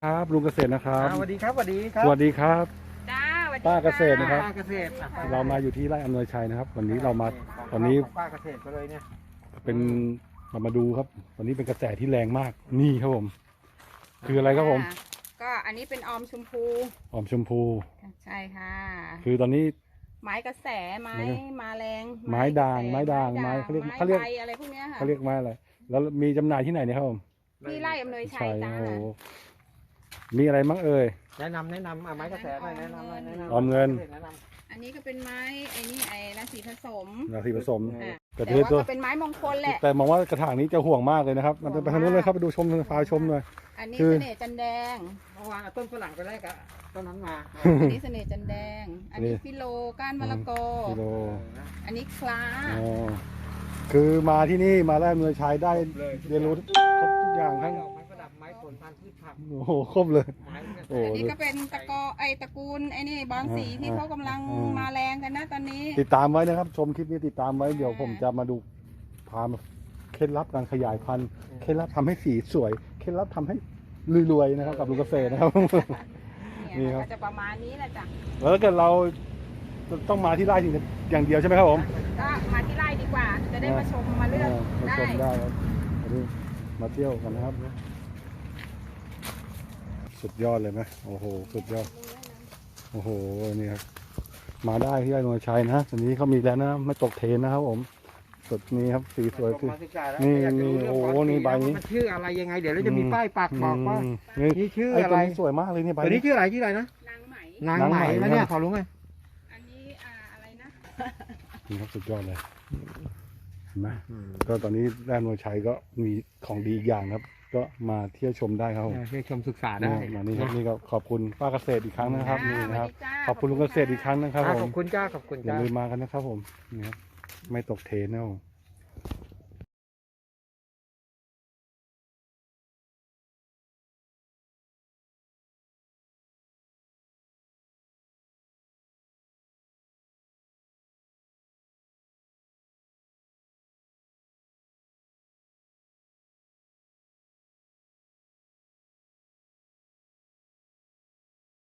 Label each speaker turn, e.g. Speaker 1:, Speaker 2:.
Speaker 1: ครับลุงเกษตรนะครับ
Speaker 2: สวัสดีครับสวัสดีครับ
Speaker 1: สวัสดีครับ
Speaker 3: จ้าสวัสดี
Speaker 1: ป้าเกษตรนะครับ
Speaker 2: ป้าเกษตร
Speaker 1: เรามาอยู่ที่ไร่อำนวยชัยนะครับ วันนี้เรามาวันนี้
Speaker 2: ป้าเกษตรก็เลยเนี่ย
Speaker 1: เป็นมาดูครับ วันนี้เป็นกระแสที่แรงมากนี่ครับผม คืออะไรครับผม
Speaker 3: ก็อันนี้เป็นออมชมพู
Speaker 1: หอมชมพู
Speaker 3: ใช่ค่ะ
Speaker 1: คือตอนนี้
Speaker 3: ไม้กระแสไม้มาแรง
Speaker 1: ไม้ด่างไม้ด่างไม้เขาเรียกเขาเรียก
Speaker 3: ใบอะไรพวกเนี้ยค่ะ
Speaker 1: เขาเรียกไม้อะไรแล้วมีจำหน่ายที่ไหนเนี่ยครับผม
Speaker 3: ที่ไร่อำนวยชัยจ้า
Speaker 1: โอ้โหมีอะไรบ้างเอ่ย
Speaker 2: แนะนำไม้กระแสหน่อยแนะนำหน่อยแนะนำ
Speaker 1: ออมเงิน
Speaker 2: แนะน
Speaker 3: อันนี้ก็เป็นไม้ไอ้นี่ไอ้ราศีผสม
Speaker 1: ราศีผสม
Speaker 3: อ่ะ
Speaker 1: กระ
Speaker 3: แต่
Speaker 1: เทือ
Speaker 3: ว่า
Speaker 1: ตัว
Speaker 3: ก็เป็นไม้มงคลแหละ
Speaker 1: แต่มองว่ากระถางนี้จะห่วงมากเลยนะครับ มันไปทางนู้นเลยครับไปดูชมพาชมหน่อย
Speaker 3: อันนี้
Speaker 1: คือ
Speaker 3: เสน่ห์จันแดง
Speaker 2: ำเมื่อวานเอาต้นฝรั่งไปแรกอะต้นนั้นมา
Speaker 3: อันนี้เสน่ห์จันแดง อันนี้ฟิโลก้านมะละกอ
Speaker 1: กิโล
Speaker 3: อันนี้คล้า
Speaker 1: อ๋อคือมาที่นี่มาแรกเมืองชายได้เรียนรู้ครบทุกอย่างทั้ง
Speaker 2: ไม้ประดับไม้ผลพันธุ์พืชผัก
Speaker 1: โอ้โหครบเลย
Speaker 2: ไม้กระแส
Speaker 1: โอ้
Speaker 3: อันนี้ก็เป็นตระกูลไอ้นี่บอลสีที่เขากำลังมาแรงกันนะตอนนี้
Speaker 1: ติดตามไว้นะครับ ชมคลิปนี้ติดตามไว้เดี๋ยวผมจะมาดูพามาเคล็ดลับการขยายพันธุ์เคล็ดลับทำให้สีสวยเคล็ดลับทำให้รวยๆนะครับกับลุงเกษตรนะครับ นี่
Speaker 3: เนี่ย
Speaker 1: ครับ
Speaker 3: ก็จะประมาณนี้แหละจ้ะ
Speaker 1: แล้วถ้าเกิดเราต้องมาที่ไร่อย่างเดียวใช่ไหมครับผม
Speaker 3: ก็มาที่ไร่ดีกว่า จะได้มาชมมาเลือก
Speaker 1: มา
Speaker 3: ได้
Speaker 1: ชมได้ครับวันนี้มาเที่ยวกันนะครับ สุดยอดเลยไหมโอ้โหสุดยอดโอ้โหนี่ครับมาได้ที่ไร่นวลชัยนะตอนนี้เขามีแล้วนะไม่ตกเทรนนะครับผมสุดนี้ครับสีสวยคือ
Speaker 2: มาศึกษาแล้ว
Speaker 1: นี่
Speaker 2: อยากจะรู้
Speaker 1: นี่
Speaker 2: เรื่
Speaker 1: โอ้โห
Speaker 2: บลสี
Speaker 1: นี่ใบนี้
Speaker 2: มันชื่ออะไรยังไงเดี๋ยวเราจะมีป้ายปักบอกว่า
Speaker 1: นี่
Speaker 2: นี่ชื่อ
Speaker 1: ไอ้
Speaker 2: อะ
Speaker 1: ตัว
Speaker 2: ไร
Speaker 1: นี้สวยมากเลยนี่ใบ
Speaker 2: ตัวนี้ชื่ออะไรนะ
Speaker 3: นางไหม
Speaker 2: นาง
Speaker 1: นาง
Speaker 2: ไห
Speaker 1: ไห
Speaker 2: ม
Speaker 1: ม
Speaker 2: แล้วเนี่ยขอรู้ไหม
Speaker 3: อันนี้อะไรนะ
Speaker 1: นี่ครับสุดยอดเลยเห็นไหมก็ตอนนี้แร่นวลชัยก็มีของดีอีกอย่างครับ ก็มาเที่ยวชมได้ครับผม
Speaker 2: เพื่อชมศึกษาได้
Speaker 1: มานี่ครับนี่ก็ขอบคุณป้าเกษตรอีกครั้งนะครับนี่นะครับ
Speaker 3: สวัสดีจ้า
Speaker 1: ขอบคุณลุงเกษตรอีกครั้งนะครับผ
Speaker 2: ข
Speaker 1: ม
Speaker 2: อบคุณจ้าขอบคุณ
Speaker 1: อย่า
Speaker 2: จ้า
Speaker 1: ลืมมากันนะครับผมนี่ครับไม่ตกเทรนนะครับผม